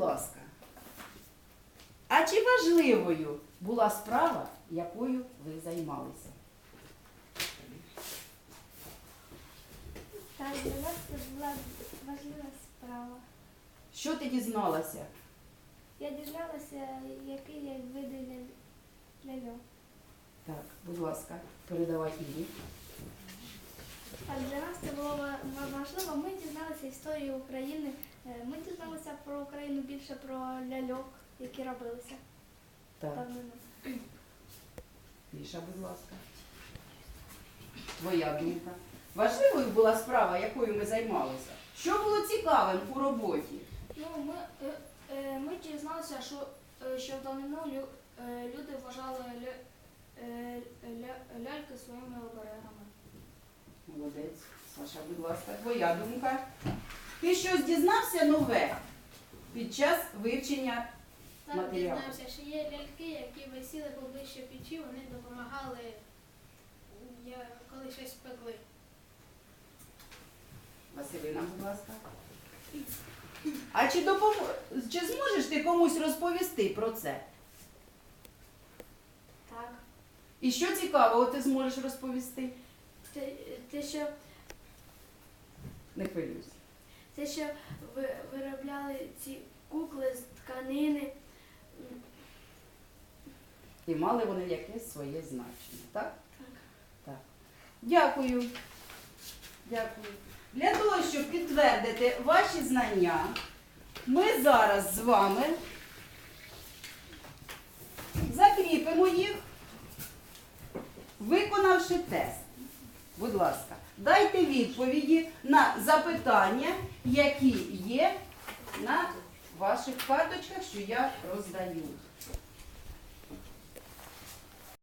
ласка, а чи важливою була справа, якою ви займалися? Так, для нас це була важлива справа. Що ти дізналася? Я дізналася, який є види ляльок. Так, будь ласка, передавай Ірі. Так, для нас це було важливо. Ми дізналися історію України. Ми дізналися про Україну більше про ляльок, які робилися Так, давнину. Міша, будь ласка. Твоя думка. Важливою була справа, якою ми займалися? Що було цікавим у роботі? Ну, ми дізналися, що в давнину люди вважали ляльки своїми оберегами. Молодець. Саша, будь ласка, твоя думка. Ти щось дізнався нове під час вивчення Так, матеріалу? дізнався, що є ляльки, які висіли поближче печі, вони допомагали, коли щось пекли. Василина, будь ласка. А чи зможеш ти комусь розповісти про це? Так. І що цікавого ти зможеш розповісти? Не хвилюйся. Те, що виробляли ці кукли з тканини. І мали вони якесь своє значення, так? Так. Так. Дякую. Дякую. Для того, щоб підтвердити ваші знання, ми зараз з вами закріпимо їх, виконавши тест. Будь ласка, дайте відповіді на запитання, які є на ваших карточках, що я роздаю.